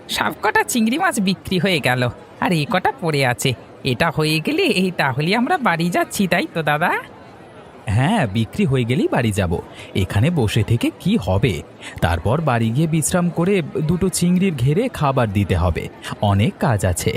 সব কটা চিংড়ি মাছ বিক্রি হয়ে গেল, আর এই কটা পড়ে আছে। এটা হয়ে গেলে তাহলে আমরা বাড়ি যাচ্ছি, তাই তো দাদা? হ্যাঁ, বিক্রি হয়ে গেলেই বাড়ি যাব। এখানে বসে থেকে কি হবে? তারপর বাড়ি গিয়ে বিশ্রাম করে দুটো চিংড়ির ঘেরে খাবার দিতে হবে। অনেক কাজ আছে।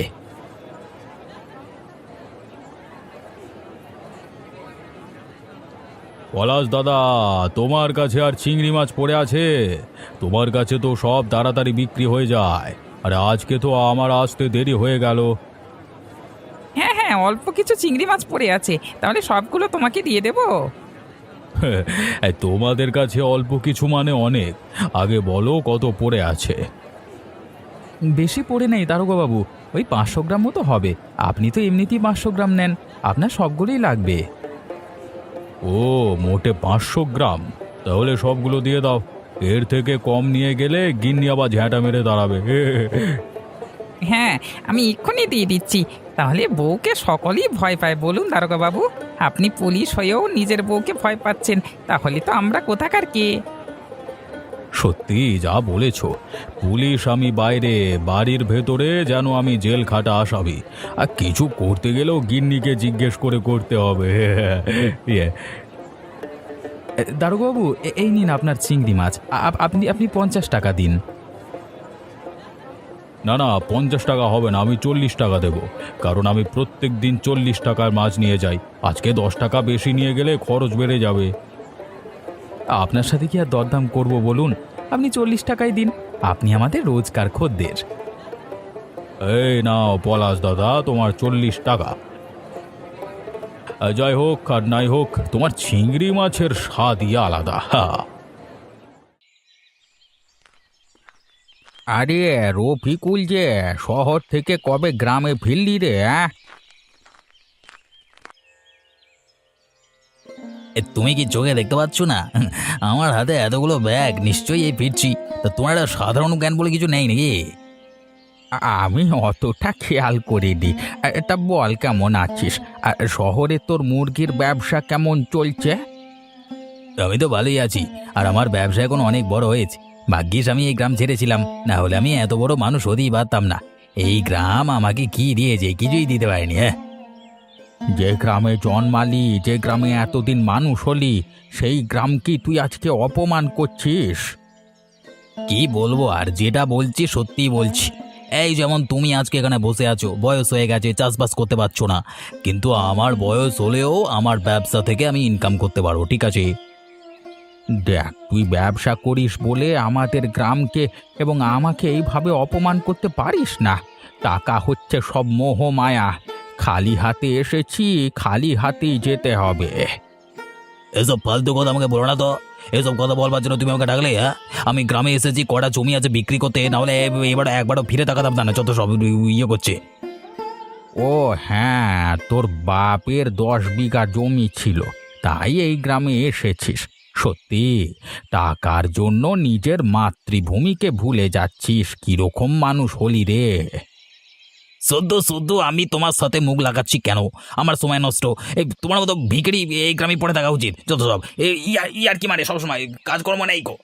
পলাশ দাদা, তোমার কাছে আর চিংড়ি মাছ পড়ে আছে? তোমার কাছে তো সব তাড়াতাড়ি বিক্রি হয়ে যায়, আর আজকে তো আমার আসতে দেরি হয়ে গেল। হ্যাঁ হ্যাঁ, অল্প কিছু চিংড়ি মাছ পড়ে আছে, তাহলে সবগুলো তোমাকে দিয়ে দেবো। এই তোমাদের কাছে অল্প কিছু মানে অনেক। আগে বলো কত পড়ে আছে। বেশি পড়ে নেই দারোগাবাবু, ওই 500 গ্রাম মতো হবে। আপনি তো এমনিতেই 500 গ্রাম নেন, আপনার সবগুলোই লাগবে। ও, মোটে 500 গ্রাম? তাহলে সবগুলো দিয়ে দাও। এর থেকে কম নিয়ে গেলে গিন্নি আবার ঝ্যাঁটা মেরে দাঁড়াবে। হ্যাঁ, আমি এক্ষুনি দিয়ে দিচ্ছি। তাহলে বউকে সকলেই ভয় পায়, বলুন দারোগা বাবু? আপনি পুলিশ হয়েও নিজের বউকে ভয় পাচ্ছেন, তাহলে তো আমরা কোথাকার কে? সত্যি যা বলেছ। পুলিশ আমি বাইরে, বাড়ির ভেতরে যেন আমি জেল খাটা আসামি। আর কিছু করতে গেলেও গিন্নিকে জিজ্ঞেস করে করতে হবে। ইয়ে, দারোগাবাবু, এই নিন আপনার চিংড়ি মাছ। আপনি আপনি 50 টাকা দিন। না না, 50 টাকা হবে না, আমি 40 টাকা দেব। কারণ আমি প্রত্যেক দিন 40 টাকার মাছ নিয়ে যাই। আজকে 10 টাকা বেশি নিয়ে গেলে খরচ বেড়ে যাবে। আপনার সাথে কি আর দরদাম করব বলুন? আপনি 40 টাকাই দিন, আপনি আমাদের রোজকার খদ্দের। এই নাও পলাশ দাদা, তোমার 40 টাকা। যাই হোক আর নাই হোক, তোমার চিংড়ি মাছের স্বাদই আলাদা। আরে রফিকুল, যে শহর থেকে কবে গ্রামে ফিরলি রে? তুমি কি চোখে দেখতে পাচ্ছ না? আমার হাতে এতগুলো ব্যাগ, নিশ্চয়ই এই ফিরছি। তা তোমার একটা সাধারণ জ্ঞান বলে কিছু নেই নাকি? আমি অতটা খেয়াল করিনি। এটা বল, কেমন আছিস? আর শহরে তোর মুরগির ব্যবসা কেমন চলছে? আমি তো ভালোই আছি, আর আমার ব্যবসা এখন অনেক বড় হয়েছে। ভাগ্যিস আমি এই গ্রাম ছেড়েছিলাম, না হলে আমি এত বড় মানুষ হতেই পারতাম না। এই গ্রাম আমাকে কি দিয়েছে? কিছুই দিতে পারেনি। হ্যাঁ, যে গ্রামে জন্মালি, যে গ্রামে এতদিন মানুষ হলি, সেই গ্রাম কি তুই আজকে অপমান করছিস? কি বলবো আর, যেটা বলছি সত্যিই বলছি। এই যেমন তুমি আজকে এখানে বসে আছো, বয়স হয়ে গেছে, চাষবাস করতে পারছো না, কিন্তু আমার বয়স হলেও আমার ব্যবসা থেকে আমি ইনকাম করতে পারবো, ঠিক আছে? দেখ, তুই ব্যবসা করিস বলে আমাদের গ্রামকে এবং আমাকে এইভাবে অপমান করতে পারিস না। টাকা হচ্ছে সব মোহ মায়া। খালি হাতে এসেছি, খালি হাতেই যেতে হবে। এসব ফালতু কথা আমাকে বলো না তো। এসব কথা বলবার জন্য তুমি আমাকে ডাকলে? হ্যাঁ, আমি গ্রামে এসেছি কটা জমি আছে বিক্রি করতে, না হলে এবার একবারও ফিরে তাকাতাম না। যত সব ইয়ে করছে। ও হ্যাঁ, তোর বাপের 10 বিঘা জমি ছিল, তাই এই গ্রামে এসেছিস। সত্যি, টাকার জন্য নিজের মাতৃভূমিকে ভুলে যাচ্ছিস। কিরকম মানুষ হলি রে? শুধু শুধু আমি তোমার সাথে মুখ লাগাচ্ছি কেন? আমার সময় নষ্ট। এই তোমার মতো ভিখারি এই গ্রামে পড়ে থাকা উচিত। যত সব ইয়ার কি মারে সবসময়, কাজকর্ম নেই গো।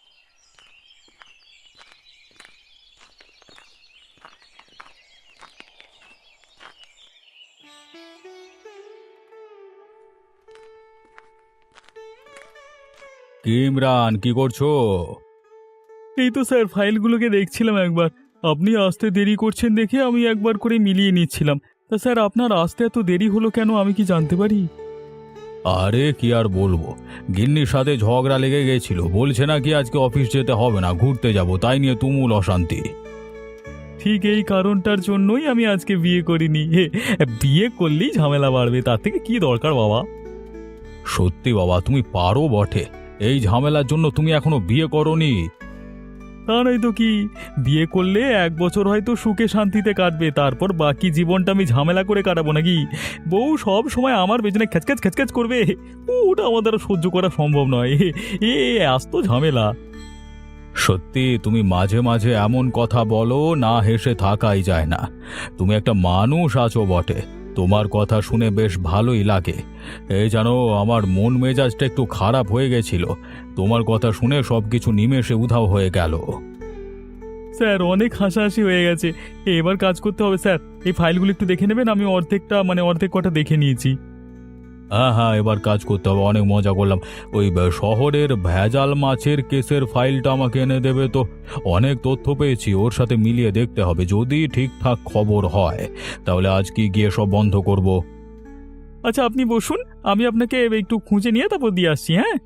কি ইমরান, কি করছো? এই তো স্যার, ফাইলগুলোকে দেখছিলাম একবার। আপনি আসতে দেরি করছেন দেখে আমি একবার করে মিলিয়ে নিচ্ছিলাম। তা স্যার, আপনার আসতে এত দেরি হলো কেন, আমি কি জানতে পারি? আরে কি আর বলবো, গিন্নির সাথে ঝগড়া লেগে গেছিল। বলছে না কি আজকে অফিস যেতে হবে না, ঘুরতে যাব, তাই নিয়ে তুমুল অশান্তি। ঠিক এই কারণটার জন্যই আমি আজকে বিয়ে করিনি। বিয়ে করলেই ঝামেলা বাড়বে, তার থেকে কি দরকার বাবা। সত্যি বাবা, তুমি পারো বটে। এই ঝামেলার জন্য তুমি এখনো বিয়ে করোনি? তা নয় তো কি, বিয়ে করলে 1 বছর হয়তো সুখে শান্তিতে কাটবে, তারপর বাকি জীবনটা আমি ঝামেলা করে কাটাবো নাকি? বউ সব সময় আমার পেছনে খ্যাচখ্যাচ খ্যাচখ্যাচ করবে, ওটা আমার দ্বারা সহ্য করা সম্ভব নয়। এ আস্ত ঝামেলা। সত্যি তুমি মাঝে মাঝে এমন কথা বলো, না হেসে থাকাই যায় না। তুমি একটা মানুষ আছো বটে, তোমার কথা শুনে বেশ ভালোই লাগে। এই জানো, আমার মন মেজাজটা একটু খারাপ হয়ে গেছিল, তোমার কথা শুনে সবকিছু নিমেষে উধাও হয়ে গেল। স্যার অনেক হাসাহাসি হয়ে গেছে, এবার কাজ করতে হবে স্যার। এই ফাইলগুলো একটু দেখে নেবেন, আমি অর্ধেক কটা দেখে নিয়েছি। হ্যাঁ হ্যাঁ, এবার কাজ করতে হবে, অনেক মজা করলাম। ওই শহরের ভেজাল মাছের কেসের ফাইলটা আমাকে এনে দেবে তো। অনেক তথ্য পেয়েছি, ওর সাথে মিলিয়ে দেখতে হবে, যদি ঠিকঠাক খবর হয় তাহলে আজকে গিয়ে সব বন্ধ করব। আচ্ছা আপনি বসুন, আমি আপনাকে একটু খুঁজে নিয়ে তারপর দিয়ে আসছি। হ্যাঁ,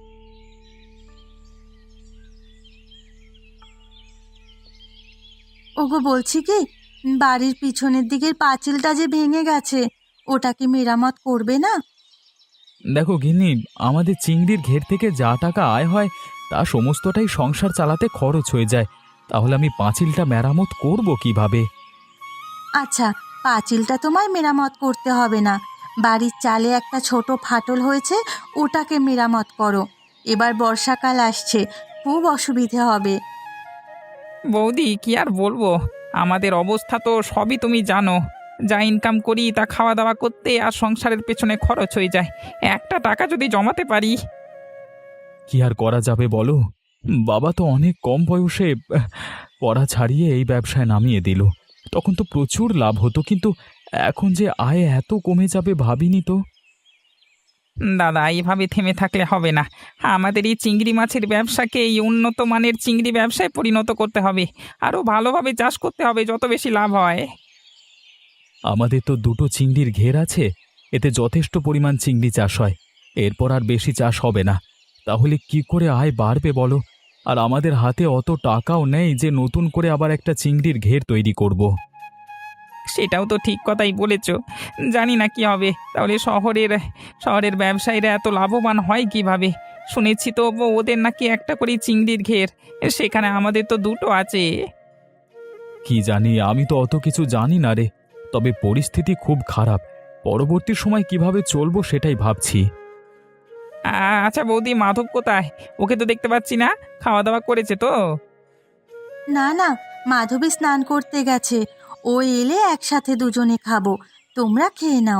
ওগো বলছি কি, বাড়ির পিছনের দিকের পাঁচিলটা যে ভেঙে গেছে, ওটা কি মেরামত করবে না? দেখো গিন্নি, আমাদের চিংড়ির ঘের থেকে যা টাকা আয় হয় তা সমস্তটাই সংসার চালাতে খরচ হয়ে যায়, তাহলে আমি পাঁচিলটা মেরামত করব কিভাবে? আচ্ছা, পাঁচিলটা তোমায় মেরামত করতে হবে না। বাড়ির চালে একটা ছোট ফাটল হয়েছে, ওটাকে মেরামত করো। এবার বর্ষাকাল আসছে, খুব অসুবিধে হবে। বৌদি কি আর বলবো, আমাদের অবস্থা তো সবই তুমি জানো। যা ইনকাম করি তা খাওয়া দাওয়া করতে আর সংসারের পেছনে খরচ হয়ে যায়। একটা টাকা যদি জমাতে পারি। কি আর করা যাবে বলো? বাবা তো অনেক কম বয়সে পড়া ছাড়িয়ে এই ব্যবসায় নামিয়ে দিল। তখন তো প্রচুর লাভ হতো, কিন্তু এখন যে আয় এত কমে যাবে ভাবিনি তো। দাদা, এইভাবে থেমে থাকলে হবে না। আমাদের এই চিংড়ি মাছের ব্যবসাকে এই উন্নত মানের চিংড়ি ব্যবসায় পরিণত করতে হবে। আরও ভালোভাবে চাষ করতে হবে, যত বেশি লাভ হয়। আমাদের তো দুটো চিংড়ির ঘের আছে, এতে যথেষ্ট পরিমাণ চিংড়ি চাষ হয়। এরপর আর বেশি চাষ হবে না, তাহলে কি করে আয় বাড়বে বলো? আর আমাদের হাতে অত টাকাও নেই যে নতুন করে আবার একটা চিংড়ির ঘের তৈরি করব। সেটাও তো ঠিক কথাই বলেছ। জানি না কি হবে। তাহলে শহরের ব্যবসায়ীরা এত লাভবান হয় কিভাবে? শুনেছি তো ওদের নাকি একটা করে চিংড়ির ঘের, সেখানে আমাদের তো দুটো আছে। কি জানি, আমি তো অত কিছু জানি না রে। তবে পরিস্থিতি খুব খারাপ, পরবর্তী সময় কিভাবে চলবো সেটাই ভাবছি। আচ্ছা বৌদি, মাধব কোথায়? ওকে তো দেখতে পাচ্ছি না। খাওয়া দাওয়া করেছে তো? না না, মাধবী স্নান করতে গেছে, ও এলে একসাথে দুজনে খাবো। তোমরা খেয়ে নাও।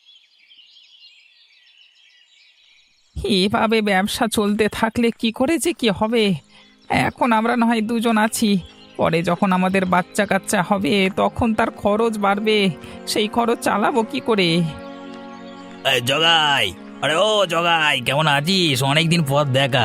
এভাবে ব্যবসা চলতে থাকলে কি করে যে কি হবে? এখন আমরা না হয় দুজন আছি, পরে যখন আমাদের বাচ্চা কাচ্চা হবে তখন তার খরচ বাড়বে। সেই খরচ চালাবো কি করে? জগাই, আরে ও জগাই, কেমন আছিস? অনেকদিন পর দেখা।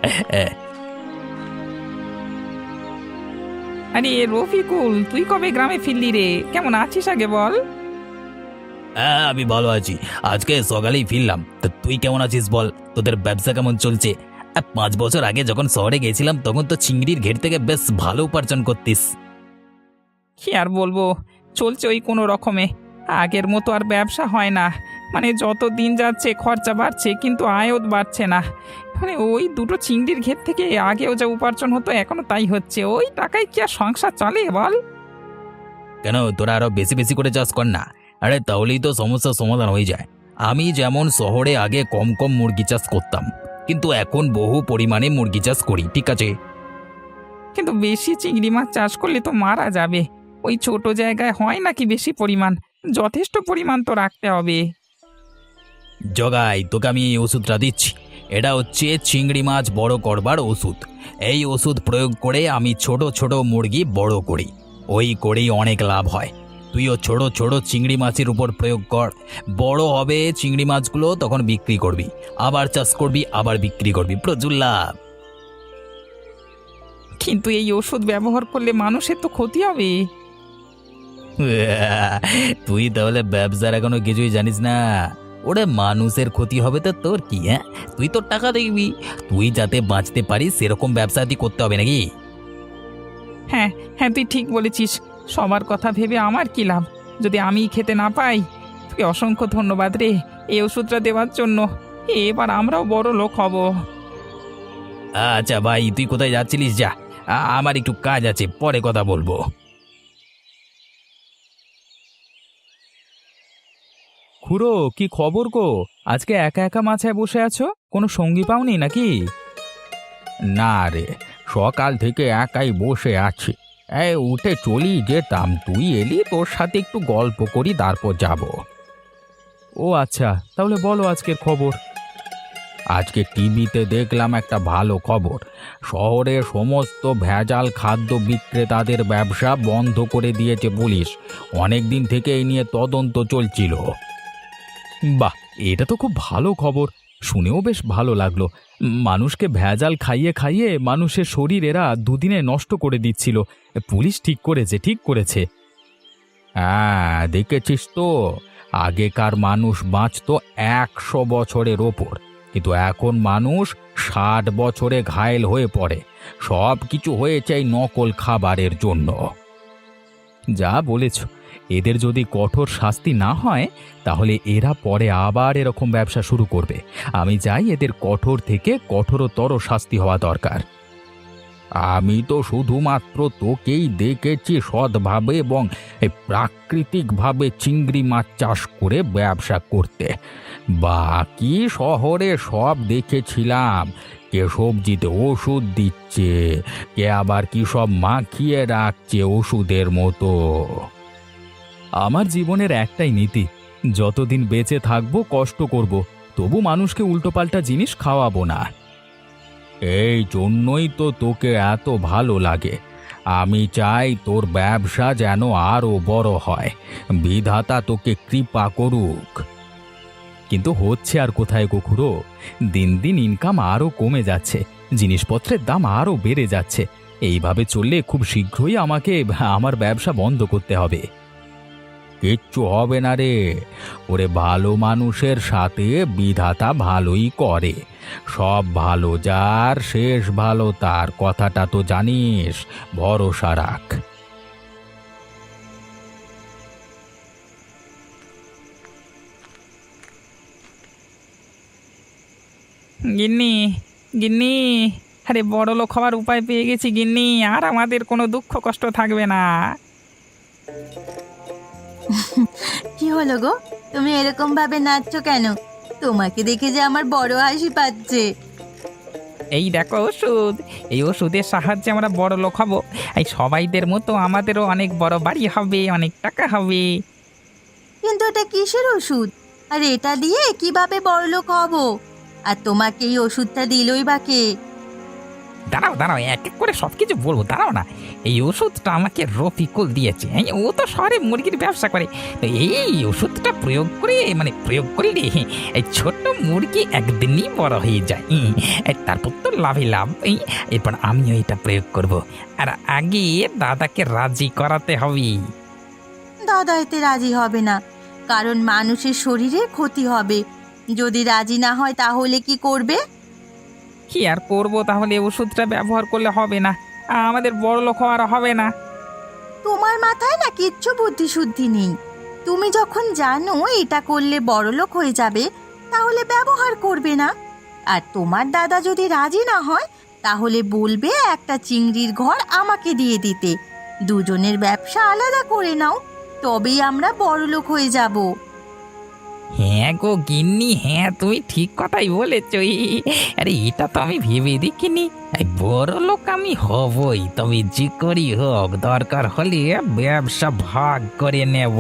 আরে রফিকুল, তুই কবে গ্রামে ফিরলি রে? কেমন আছিস আগে বল। হ্যাঁ, আমি ভালো আছি। আজকে সকালেই ফিরলাম। তা তুই কেমন আছিস বল? তোদের ব্যবসা কেমন চলছে? 5 বছর আগে যখন শহরে গেছিলাম তখন তো চিংড়ির ঘের থেকে বেশ ভালো উপার্জন করতিস। কি আর বলবো, চলছে ওই কোনো রকমে। আগের মতো আর ব্যবসা হয় না। মানে যত দিন যাচ্ছে খরচা বাড়ছে, কিন্তু আয়ও বাড়ছে না। মানে ওই দুটো চিংড়ির ঘের থেকে আগেও যা উপার্জন হতো এখনো তাই হচ্ছে। ওই টাকায় কি আর সংসার চলে বল? কেন, তোরা আরো বেশি বেশি করে চাষ কর না। আরে তাহলেই তো সমস্যার সমাধান হয়ে যায়। আমি যেমন শহরে আগে কম কম মুরগি চাষ করতাম, কিন্তু এখন বহু পরিমাণে মুরগি চাষ করি, ঠিক আছে? কিন্তু বেশি চিংড়ি মাছ চাষ করলে তো মারা যাবে। ওই ছোট জায়গায় হয় নাকি বেশি পরিমাণ? যথেষ্ট পরিমাণ তো রাখতে হবে। জগাই, তোকে আমি এই ওষুধটা দিচ্ছি। এটা হচ্ছে চিংড়ি মাছ বড় করবার ওষুধ। এই ওষুধ প্রয়োগ করে আমি ছোট ছোট মুরগি বড় করি, ওই করেই অনেক লাভ হয়। তুইও ছোট ছোট চিংড়ি মাছের উপর প্রয়োগ কর। বড় হবে চিংড়ি মাছগুলো, তখন বিক্রি করবি, আবার চাষ করবি, আবার বিক্রি করবি, প্রচুর লাভ। কিন্তু এই ওষুধ ব্যবহার করলে মানুষের তো ক্ষতি হবে। তুই তাহলে ব্যবসার এখনো কিছুই জানিস না? ওরে মানুষের ক্ষতি হবে তো তোর কি? হ্যাঁ, তুই তোর টাকা দেখবি। তুই যাতে বাঁচতে পারিস সেরকম ব্যবসা তুই করতে হবে নাকি? হ্যাঁ হ্যাঁ, তুই ঠিক বলেছিস। সবার কথা ভেবে আমার কি লাভ যদি আমি খেতে না পাই? তোকে অসংখ্য ধন্যবাদ রে এই ওষুধটা দেওয়ার জন্য। এবার আমরাও বড় লোক হব। আচ্ছা ভাই, তুই কোথায় যাচ্ছিলিস? যা, আমার একটু কাজ আছে, পরে কথা বলবো। খুড়ো, কি খবর গো? আজকে একা একা মাছায় বসে আছো, কোনো সঙ্গী পাওনি নাকি? না রে, সকাল থেকে একাই বসে আছি। এই উঠে চলি যেতাম, তুই এলি, তোর সাথে একটু গল্প করি, তারপর যাব। ও আচ্ছা, তাহলে বলো আজকের খবর। আজকে টিভিতে দেখলাম একটা ভালো খবর। শহরে সমস্ত ভেজাল খাদ্য বিক্রেতাদের ব্যবসা বন্ধ করে দিয়েছে পুলিশ। অনেক দিন থেকে এই নিয়ে তদন্ত চলছিল। বাহ, এটা তো খুব ভালো খবর, শুনেও বেশ ভালো লাগলো। মানুষকে ভেজাল খাইয়ে খাইয়ে মানুষের শরীর এরা দুদিনে নষ্ট করে দিচ্ছিল। পুলিশ ঠিক করেছে, ঠিক করেছে। হ্যাঁ, দেখেছিস তো, আগেকার মানুষ বাঁচতো 100 বছরের ওপর, কিন্তু এখন মানুষ 60 বছরে ঘায়েল হয়ে পড়ে। সব কিছু হয়েছে এই নকল খাবারের জন্য। যা বলেছ, এদের যদি কঠোর শাস্তি না হয় তাহলে এরা পরে আবার এরকম ব্যবসা শুরু করবে। আমি চাই এদের কঠোর থেকে কঠোরতর শাস্তি হওয়া দরকার। আমি তো শুধুমাত্র তোকেই দেখেছি সৎভাবে এবং প্রাকৃতিকভাবে চিংড়ি মাছ চাষ করে ব্যবসা করতে। বাকি শহরে সব দেখেছিলাম, কে সবজিতে ওষুধ দিচ্ছে, কে আবার কি সব মাখিয়ে রাখছে ওষুধের মতো। আমার জীবনের একটাই নীতি, যতদিন বেঁচে থাকবো কষ্ট করব, তবু মানুষকে উল্টোপাল্টা জিনিস খাওয়াবো না। এই জন্যই তো তোকে এত ভালো লাগে। আমি চাই তোর ব্যবসা যেন আরো বড় হয়। বিধাতা তোকে কৃপা করুক। কিন্তু হচ্ছে আর কোথায় গো খুড়ো, দিন দিন ইনকাম আরও কমে যাচ্ছে, জিনিসপত্রের দাম আরও বেড়ে যাচ্ছে। এইভাবে চললে খুব শীঘ্রই আমাকে আমার ব্যবসা বন্ধ করতে হবে। কিচ্ছু হবে না রে, ওরে ভালো মানুষের সাথে বিধাতা ভালোই করে। সব ভালো যার শেষ ভালো তার, কথাটা তো জানিস। ভরসা রাখ। গিন্নি, গিন্নি, আরে বড় লোক হওয়ার উপায় পেয়ে গেছি গিন্নি, আর আমাদের কোনো দুঃখ কষ্ট থাকবে না। কি হলো গো, তুমি এরকম ভাবে নাচছো কেন? তোমাকে দেখে যে আমার বড় হাসি পাচ্ছে। এই দেখো ওষুধ, এই ওষুধের সাহায্যে আমরা বড় লোক হব। এই সবাইদের মতো আমাদেরও অনেক বড় বাড়ি হবে, অনেক টাকা হবে। কিন্তু এটা কিসের ওষুধ, আর এটা দিয়ে কিভাবে বড়লোক হব? আর তোমাকে এই ওষুধটা দিলই বা কে? দাঁড়াও দাঁড়াও, এক এক করে সব কিছু বলবো, দাঁড়াও না। এই ওষুধটা আমাকে রফিকুল দিয়েছে। ও তো শহরে মুরগির ব্যবসা করে। তো এই ওষুধটা প্রয়োগ করি রে, এই ছোট্ট মুরগি একদিনই বড় হয়ে যায়। তারপর তো লাভে লাভ। এরপর আমিও এটা প্রয়োগ করব। আর আগে দাদাকে রাজি করাতে হবে। দাদা এতে রাজি হবে না, কারণ মানুষের শরীরে ক্ষতি হবে। যদি রাজি না হয় তাহলে কি করবে? কি আর করবো, তাহলে ওষুধটা ব্যবহার করলে হবে না, আমাদের বড় লোক হওয়ার হবে না। তোমার মাথায় না কিচ্ছু বুদ্ধি শুদ্ধি নেই। তুমি যখন জানো এটা করলে বড়লোক হয়ে যাবে, তাহলে ব্যবহার করবে না। আর তোমার দাদা যদি রাজি না হয় তাহলে বলবে একটা চিংড়ির ঘর আমাকে দিয়ে দিতে। দুজনের ব্যবসা আলাদা করে নাও, তবেই আমরা বড়লোক হয়ে যাব। হ্যাঁ গো গিন্নি, হ্যাঁ তুমি ঠিক কথাই বলেছ। আরে এটা তো আমি ভেবে দেখিনি। এই বড় লোক আমি হবই, তবে যে করি হোক দরকার হলে ব্যবসা ভাগ করে নেব।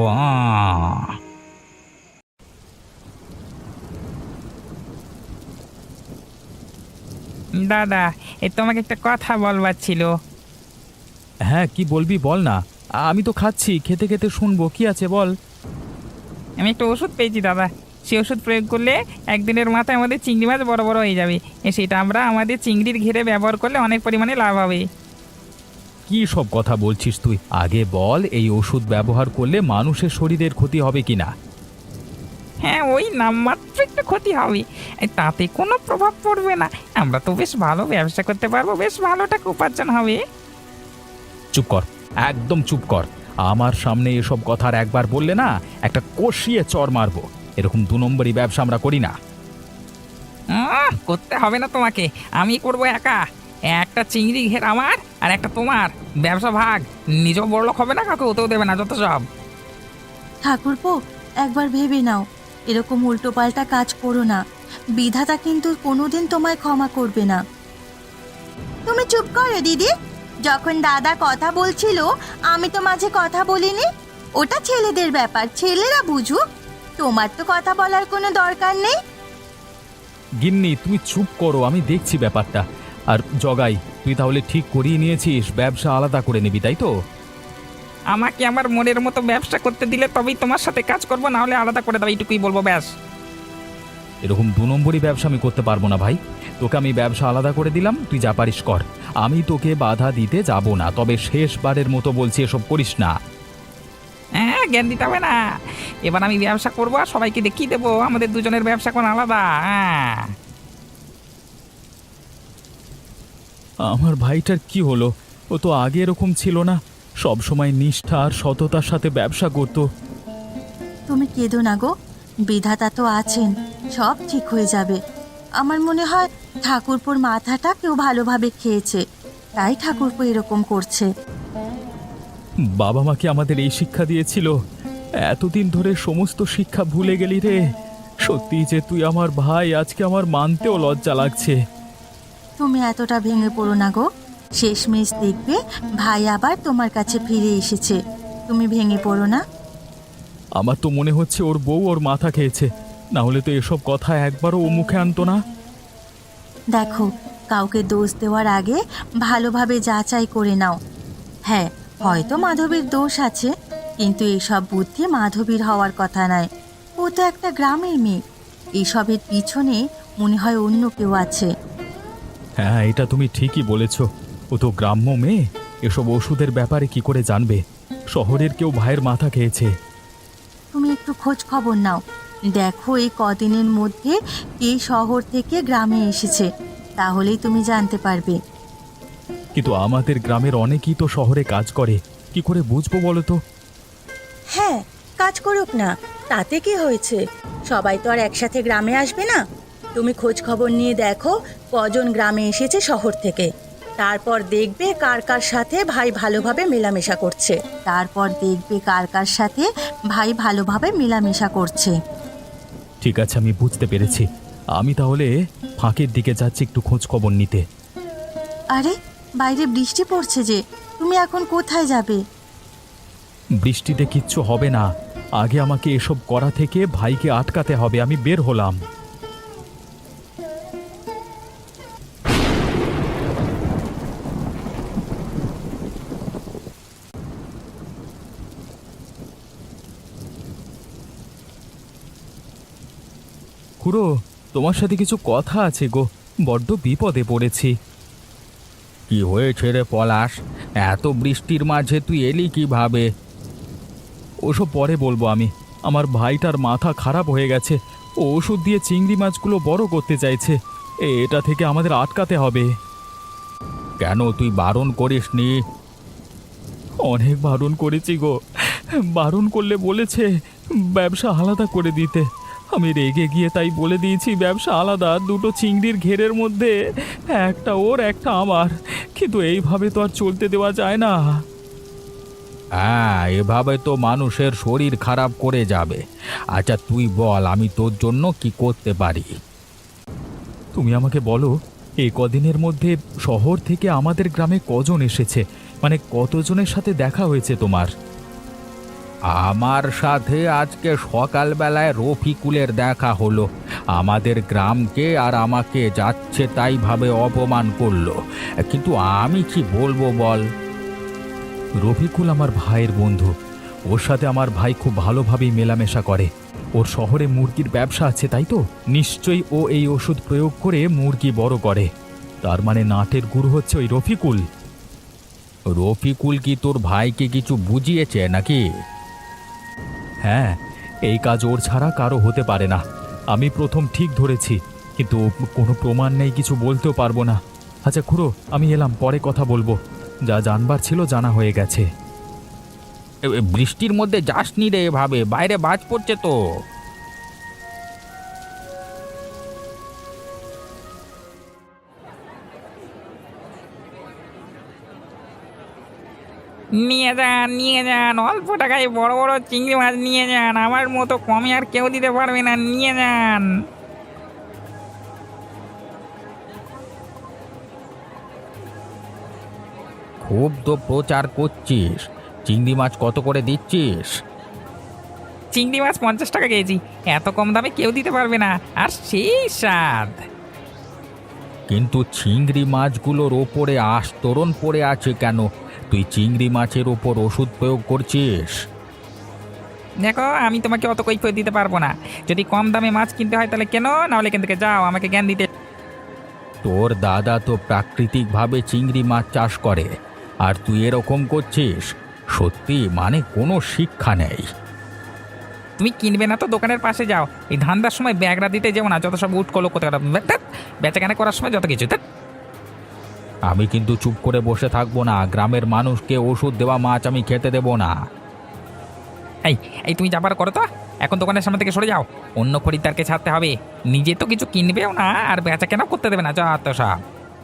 দাদা, এই তোমাকে একটা কথা বলবার ছিল। হ্যাঁ, কি বলবি বল না, আমি তো খাচ্ছি, খেতে খেতে শুনবো, কি আছে বল। আমি একটা ওষুধ পেয়েছি দাদা, সেই ওষুধ প্রয়োগ করলে একদিনের মাথায় আমাদের চিংড়ি মাছ বড় বড় হয়ে যাবে। সেটা আমরা আমাদের চিংড়ির ঘেরে ব্যবহার করলে অনেক পরিমাণে লাভ হবে। কি সব কথা বলছিস তুই? আগে বল, এই ওষুধ ব্যবহার করলে মানুষের শরীরের ক্ষতি হবে কিনা? হ্যাঁ, ওই নামমাত্র একটু ক্ষতি হবে, তাতে কোনো প্রভাব পড়বে না। আমরা তো বেশ ভালো ব্যবসা করতে পারবো, বেশ ভালো টাকা উপার্জন হবে। চুপ কর, একদম চুপ কর। আমার সামনে এসব কথা আর একবার বললে না, একটা কষিয়ে চড় মারবো। এরকম 2 নম্বরই ব্যবসা আমরা করি না। করতে হবে না তোমাকে, আমি করবো একা। একটা চিংড়ি ঘের আমার আর একটা তোমার, ব্যবসা ভাগ। নিজেও বড়লোক হবে না, কাউকে ওতেও দেবে না, যত সব। ঠাকুরপো, একবার ভেবে নাও, এরকম উল্টোপাল্টা কাজ করো না। বিধাতা কিন্তু কোনোদিন তোমায় ক্ষমা করবে না। তুমি চুপ করো দিদি। যখন দাদা কথা বলছিল আমি তো মাঝে কথা বলিনি। ওটা ছেলেদের ব্যাপার, ছেলেরা বুঝুক। তোমার তো কথা বলার কোনো দরকার নেই। গিন্নি তুমি চুপ করো, আমি দেখছি ব্যাপারটা। আর জগাই, তুই তাহলে ঠিক করিয়ে নিয়েছিস ব্যবসা আলাদা করে নিবি, তাই তো? আমাকে আমার মনের মতো ব্যবসা করতে দিলে তবেই তোমার সাথে কাজ করবো, না হলে আলাদা করে দাও, এইটুকুই বলবো ব্যাস। এরকম 2 নম্বরই ব্যবসা আমি করতে পারবো না ভাই। তোকে আমি ব্যবসা আলাদা করে দিলাম, তুই যা পারিস কর। আমি তোকে বাধা দিতে যাব না, তবে শেষবারের মতো বলছি এসব করিস না। হ্যাঁ, জ্ঞান দিতে হবে না। এবার আমি ব্যবসা করবো আর সবাইকে দেখিয়ে দেবো আমাদের দুজনের ব্যবসা কোন আলাদা। হ্যাঁ, আমার ভাইটার কি হলো? ও তো আগে এরকম ছিল না, সব সময় নিষ্ঠা আর সততার সাথে ব্যবসা করতো। তুমি কেঁদো না গো, বিধাতা তো আছেন, সব ঠিক হয়ে যাবে। আমার মনে হয় ঠাকুরপুর মাথাটা কেউ ভালোভাবে খেয়েছে, তাই ঠাকুরপো এরকম করছে। বাবা মা কি আমাদের এই শিক্ষা দিয়েছিল? এতদিন ধরে সমস্ত শিক্ষা ভুলে গেলি রে। সত্যি যে তুই আমার ভাই, আজকে আমার মানতেও লজ্জা লাগছে। তুমি এতটা ভেঙে পড়ো না গো, শেষমেশ দেখবে ভাই আবার তোমার কাছে ফিরে এসেছে। তুমি ভেঙে পড়ো না। আমার তো মনে হচ্ছে ওর বউ ওর মাথা খেয়েছে, না হলে তো এসব কথা একবারও ও মুখে আনতো না। দেখো, কাউকে দোষ দেওয়ার আগে ভালোভাবে যাচাই করে নাও। হ্যাঁ, হয়তো মাধবীর দোষ আছে, কিন্তু এইসব বুদ্ধি মাধবীর হওয়ার কথা নয়। ও তো একটা গ্রামের মেয়ে, এইসবের পিছনে মনে হয় অন্য কেউ আছে। হ্যাঁ, এটা তুমি ঠিকই বলেছ। ও তো গ্রাম্য মেয়ে, এসব ওষুধের ব্যাপারে কি করে জানবে? শহরের কেউ ভাইয়ের মাথা খেয়েছে। তুমি একটু খোঁজ খবর নাও, দেখো এই কদিনের মধ্যে কে শহর থেকে গ্রামে এসেছে, তাহলেই তুমি জানতে পারবে। কিন্তু আমাদের গ্রামের অনেকেই তো শহরে কাজ করে, কি করে বুঝবো বলো তো? হ্যাঁ, কাজ করুক না, তাতে কি হয়েছে? সবাই তো আর একসাথে গ্রামে আসবে না। তুমি খোঁজ খবর নিয়ে দেখো কজন গ্রামে এসেছে শহর থেকে, তারপর দেখবে কার কার সাথে ভাই ভালোভাবে মেলামেশা করছে। ঠিক আছে, আমি বুঝতে পেরেছি। আমি তাহলে ফাঁকের দিকে যাচ্ছি একটু খোঁজ খবর নিতে। আরে, বাইরে বৃষ্টি পড়ছে যে, তুমি এখন কোথায় যাবে? বৃষ্টিতে কিচ্ছু হবে না, আগে আমাকে এসব করা থেকে ভাইকে আটকাতে হবে। আমি বের হলাম। খুড়ো, তোমার সাথে কিছু কথা আছে গো, বড্ড বিপদে পড়েছি। কি হয়েছে রে পলাশ? এত বৃষ্টির মাঝে তুই এলি কিভাবে? ওসব পরে বলবো আমি। আমার ভাইটার মাথা খারাপ হয়ে গেছে, ও ওষুধ দিয়ে চিংড়ি মাছগুলো বড় করতে চাইছে। এটা থেকে আমাদের আটকাতে হবে। কেন, তুই বারণ করিসনি? অনেক বারণ করেছি গো, বারণ করলে বলেছে ব্যবসা আলাদা করে দিতে। আমি রেগে গিয়ে তাই বলে দিয়েছি ব্যবসা আলাদা, 2টো চিংড়ির ঘেরের মধ্যে একটা ওর একটা আমার। কিন্তু এইভাবে তো আর চলতে দেওয়া যায় না। হ্যাঁ, এভাবে তো মানুষের শরীর খারাপ করে যাবে। আচ্ছা তুই বল, আমি তোর জন্য কি করতে পারি? তুমি আমাকে বলো, এই কদিনের মধ্যে শহর থেকে আমাদের গ্রামে কজন এসেছে? মানে কতজনের সাথে দেখা হয়েছে তোমার? আমার সাথে আজকে সকালবেলায় রফিকুলের দেখা হলো। আমাদের গ্রামকে আর আমাকে যাচ্ছে তাই ভাবে অপমান করলো, কিন্তু আমি কি বলবো বল? রফিকুল আমার ভাইয়ের বন্ধু, ওর সাথে আমার ভাই খুব ভালোভাবেই মেলামেশা করে। ওর শহরে মুরগির ব্যবসা আছে, তাই তো নিশ্চয়ই ও এই ওষুধ প্রয়োগ করে মুরগি বড় করে। তার মানে নাটের গুরু হচ্ছে ওই রফিকুল। রফিকুল কি তোর ভাইকে কিছু বুঝিয়েছে নাকি? হ্যাঁ, এই কাজ ওর ছাড়া কারো হতে পারে না। আমি প্রথম ঠিক ধরেছি, কিন্তু কোনো প্রমাণ নেই, কিছু বলতেও পারবো না। আচ্ছা খুড়ো, আমি এলাম, পরে কথা বলবো। যা জানবার ছিল জানা হয়ে গেছে। বৃষ্টির মধ্যে যাসনি রে এভাবে, বাইরে বাজ পড়ছে তো। নিয়ে যান, অল্প টাকায় বড় বড় চিংড়ি মাছ নিয়ে যান, আমার মতো কমে আর কেউ দিতে পারবে না, নিয়ে যান। খুব তো প্রচার করছিস, চিংড়ি মাছ কত করে দিচ্ছিস? চিংড়ি মাছ 50 টাকা কেজি, এত কম দামে কেউ দিতে পারবে না, আর সেই স্বাদ। কিন্তু চিংড়ি মাছগুলোর ওপরে আস্তরণ পড়ে আছে কেন? তুই চিংড়ি মাছের ওপর ওষুধ প্রয়োগ করছিস? দেখো, আমি তোমাকে অত কৈফিয়ত দিতে পারবো না। যদি কম দামে মাছ কিনতে হয় তাহলে কেন, না হলে এখান থেকে যাও, আমাকে জ্ঞান দিতে। তোর দাদা তো প্রাকৃতিকভাবে চিংড়ি মাছ চাষ করে, আর তুই এরকম করছিস? সত্যি মানে কোনো শিক্ষা নেই। তুমি কিনবে না তো দোকানের পাশে যাও। এই ধান্দার সময় ব্যাগরা দিতে যাও না, যত সব উঠ কলো কোথাও বেচাকেনা করার সময় যত কিছু ধ্যাৎ। আমি কিন্তু চুপ করে বসে থাকবো না। গ্রামের মানুষকে ওষুধ দেওয়া মাছ আমি খেতে দেবো না। এই এই তুমি যাবার করো তো, এখন দোকানের সামনে থেকে সরে যাও। অন্য খরিদ্দারকে ছাড়তে হবে, নিজে তো কিছু কিনবেও না আর বেচা কেনাও করতে দেবে না, যা তো সব।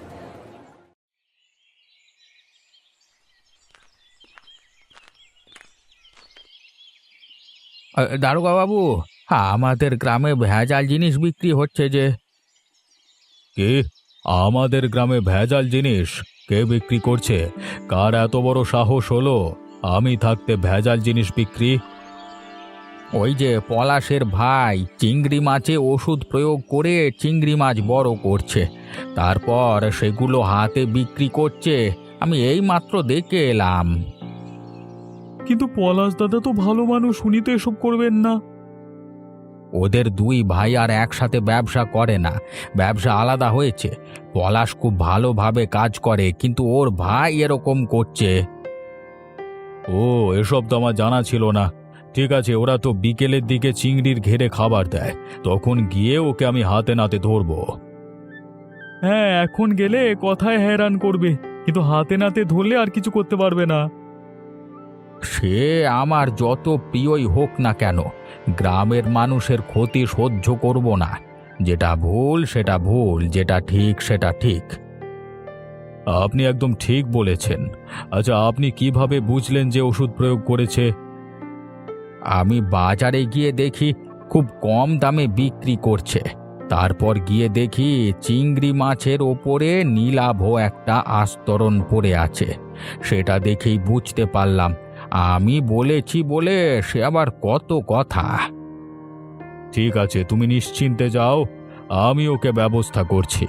দারোগা বাবু, আমাদের গ্রামে ভেজাল জিনিস বিক্রি হচ্ছে যে। কে? আমাদের গ্রামে ভেজাল জিনিস কে বিক্রি করছে? কার এত বড় সাহস হলো আমি থাকতে ভেজাল জিনিস বিক্রি? ওই যে পলাশের ভাই চিংড়ি মাছে ওষুধ প্রয়োগ করে চিংড়ি মাছ বড় করছে, তারপর সেগুলো হাতে বিক্রি করছে। আমি এই মাত্র দেখে এলাম। কিন্তু পলাশ দাদা তো ভালো মানুষ, উনি তো এসব করবেন না। ওদের দুই ভাই আর একসাথে ব্যবসা করে না, ব্যবসা আলাদা হয়েছে। পলাশ খুব ভালোভাবে কাজ করে, কিন্তু ওর ভাই এরকম করছে। ও, এসব তো আমার জানা ছিল না। ঠিক আছে, ওরা তো বিকেলের দিকে চিংড়ির ঘেরে খাবার দেয়, তখন গিয়ে ওকে আমি হাতে নাতে ধরবো। হ্যাঁ, এখন গেলে কথায় হয়রান করবে, কিন্তু হাতে নাতে ধরলে আর কিছু করতে পারবে না। সে আমার যত প্রিয়ই হোক না কেন, গ্রামের মানুষের ক্ষতি সহ্য করব না। যেটা ভুল সেটা ভুল, যেটা ঠিক সেটা ঠিক। আপনি একদম ঠিক বলেছেন। আচ্ছা, আপনি কিভাবে বুঝলেন যে ওষুধ প্রয়োগ করেছে? আমি বাজারে গিয়ে দেখি খুব কম দামে বিক্রি করছে, তারপর গিয়ে দেখি চিংড়ি মাছের ওপরে নীলাভ একটা আস্তরণ পড়ে আছে। সেটা দেখেই বুঝতে পারলাম। আমি বলেছি বলে সে আবার কত কথা। ঠিক আছে, তুমি নিশ্চিন্তে যাও, আমি ওকে ব্যবস্থা করছি।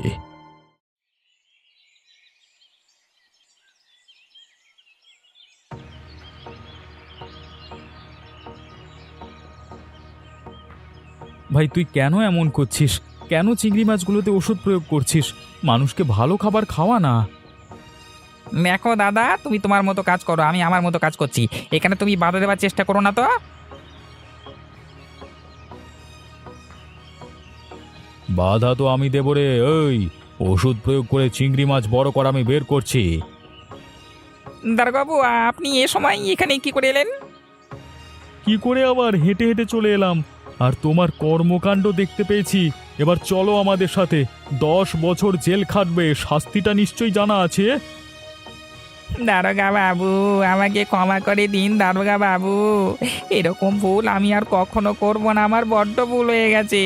ভাই, তুই কেন এমন করছিস? কেন চিংড়ি মাছগুলোতে ওষুধ প্রয়োগ করছিস? মানুষকে ভালো খাবার খাওয়া না। দেখো দাদা, তুমি তোমার মতো কাজ করো, আমি আমার মতো কাজ করছি। এখানে তুমি বাধা দেওয়ার চেষ্টা করো না তো। বাধা তো আমি দেব রে। ওই ওষুধ প্রয়োগ করে চিংড়ি মাছ বড় করা আমি বের করছি। দারোগাবু, আপনি এ সময় এখানে কি করে এলেন? কি করে আবার? হেঁটে হেঁটে চলে এলাম, আর তোমার কর্মকাণ্ড দেখতে পেয়েছি। এবার চলো আমাদের সাথে। 10 বছর জেল খাটবে, শাস্তিটা নিশ্চয়ই জানা আছে। দারোগা বাবু, আমাকে ক্ষমা করে দিন দারোগা বাবু। এরকম ভুল আমি আর কখনো করব না, আমার বড্ড ভুল হয়ে গেছে।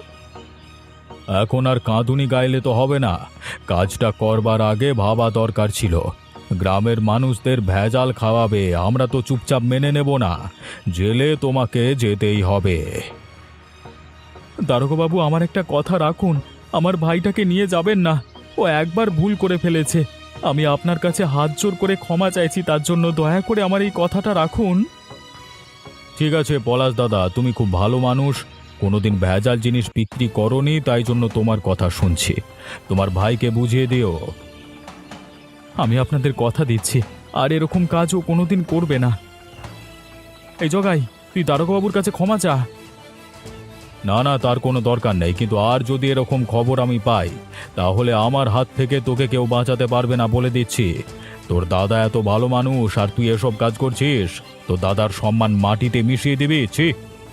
এখন আর কাঁদুনি গাইলে তো হবে না। কাজটা করবার আগে ভাবা দরকার ছিল। গ্রামের মানুষদের ভেজাল খাওয়াবে, আমরা তো চুপচাপ মেনে নেব না। জেলে তোমাকে যেতেই হবে। দারোগাবাবু, আমার একটা কথা রাখুন। আমার ভাইটাকে নিয়ে যাবেন না, ও একবার ভুল করে ফেলেছে। আমি আপনার কাছে হাত জোর করে ক্ষমা চাইছি, তার জন্য দয়া করে আমার এই কথাটা রাখুন। ঠিক আছে পলাশ দাদা, তুমি খুব ভালো মানুষ, কোনোদিন ভেজাল জিনিস বিক্রি করনি, তাই জন্য তোমার কথা শুনছি। তোমার ভাইকে বুঝিয়ে দিও। আমি আপনাদের কথা দিচ্ছি, আর এরকম কাজও কোনোদিন করবে না। এই জগাই, তুই দারোগাবাবুর কাছে ক্ষমা চা। না না, তার কোনো দরকার নেই, কিন্তু আর যদি এরকম খবর আমি পাই, তাহলে আমার হাত থেকে তোকে কেউ বাঁচাতে পারবে না, বলে দিচ্ছি। তোর দাদা এত ভালো মানুষ, আর তুই এসব কাজ করছিস। তোর দাদার সম্মান মাটিতে মিশিয়ে দিবি। ছি!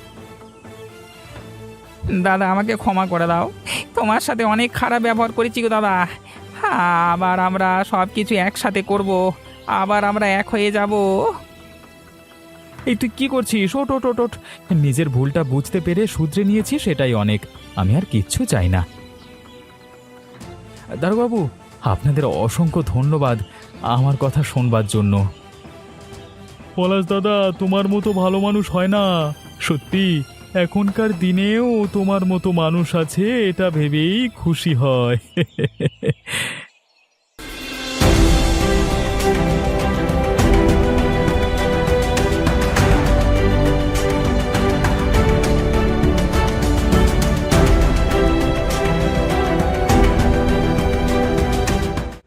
দাদা, আমাকে ক্ষমা করে দাও, তোমার সাথে অনেক খারাপ ব্যবহার করেছি গো দাদা। আবার আমরা সব কিছু একসাথে করব, আবার আমরা এক হয়ে যাব। এই তুই কি করছিস? ওট ওট ওট ওট। নিজের ভুলটা বুঝতে পেরে শুধরে নিয়েছি, সেটাই অনেক। আমি আর কিচ্ছু চাই না। দারোগাবু, আপনাদের অসংখ্য ধন্যবাদ আমার কথা শোনবার জন্য। পলাশ দাদা, তোমার মতো ভালো মানুষ হয় না। সত্যি এখনকার দিনেও তোমার মতো মানুষ আছে এটা ভেবেই খুশি হয়